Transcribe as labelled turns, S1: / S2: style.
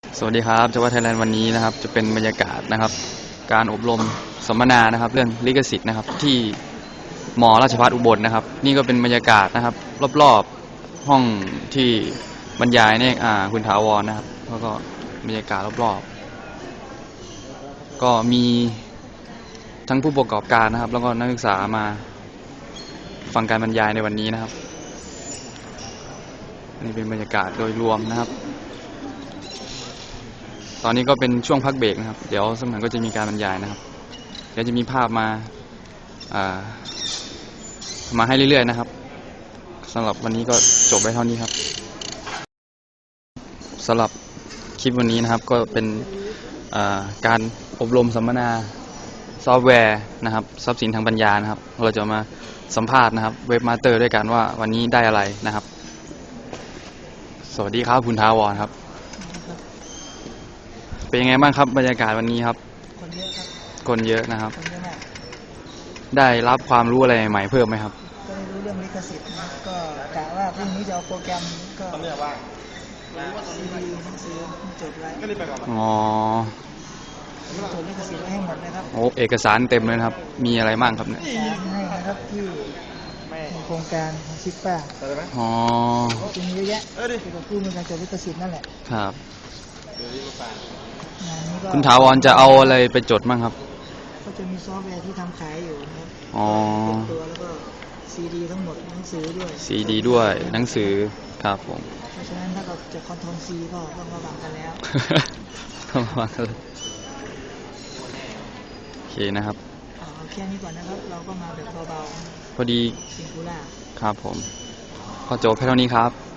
S1: สวัสดีครับจังหวัดไทยแลนด์วันนี้นะครับจะเป็นบรรยากาศนะครับการอบรมสัมมนานะครับเรื่องลิขสิทธิ์นะครับที่มอราชภัฏอุบลนะครับนี่ก็เป็นบรรยากาศนะครับรอบๆห้องที่บรรยายเนี่ยคุณถาวรนะครับแล้วก็บรรยากาศรอบๆก็มีทั้งผู้ประกอบการนะครับแล้วก็นักศึกษามาฟังการบรรยายในวันนี้นะครับนี่เป็นบรรยากาศโดยรวมนะครับตอนนี้ก็เป็นช่วงพักเบรกนะครับเดี๋ยวสักหน่อยก็จะมีการบรรยายนะครับเดี๋ยวจะมีภาพมาให้เรื่อยๆนะครับสำหรับวันนี้ก็จบไว้เท่านี้ครับสำหรับคลิปวันนี้นะครับก็เป็นการอบรมสัมมนาซอฟต์แวร์นะครับทรัพย์สินทางปัญญานะครับเราจะมาสัมภาษณ์นะครับเว็บมาสเตอร์ด้วยกันว่าวันนี้ได้อะไรนะครับสวัสดีครับคุณท้าวรครับเป็นยังไงบ้างครับบรรยากาศวันนี้ครับ
S2: คนเยอะครับ
S1: คนเยอะนะครับ
S2: คนเยอะมาก
S1: ได้รับความรู้อะไรใหม่เพิ่มไหมครับ
S2: ก็ได้รู้เรื่องลิขสิทธิ์นะก็กะว่าพรุ่งนี้จะเอาโปรแกรมก็เรียกว่าซีดีหนังสือจดไว้
S1: อ๋อ
S2: จดลิขสิทธิ์ไว้ให้หมดนะครับ
S1: โอ้เอกสารเต็มเลยครับมีอะไรบ้างครับเนี่ย
S2: สารให้นะครับที่โครงการของซิปป้า
S1: อ๋อ
S2: จะมีเยอะแยะเกี่ยวกับผู้มีการจดลิขสิทธิ์นั่นแหละ
S1: ครับ
S2: งานนี้ก็
S1: คุณถาวรจะเอาอะไรไปจดบ้างครับ
S2: ก็จะมีซอฟต์แวร์ที่ทำขายอยู่นะครับ
S1: อ๋อ
S2: ตัวแล้วก็ซีดีทั้งหมดหนังสือด้วย
S1: ซีดีด้วยหนังสือครับผม
S2: เพราะฉะนั้นถ้าเราจะคอนโทรลซีก็ต้องระวังกันแล้ว
S1: ต้องระวังกันโอเคนะครับ
S2: เอาแค่นี้ก่อนนะครับเราก็มาแบบเบา
S1: ๆพอดี
S2: ซิงคูล่า
S1: ครับผมก็จบแค่เท่านี้ครับ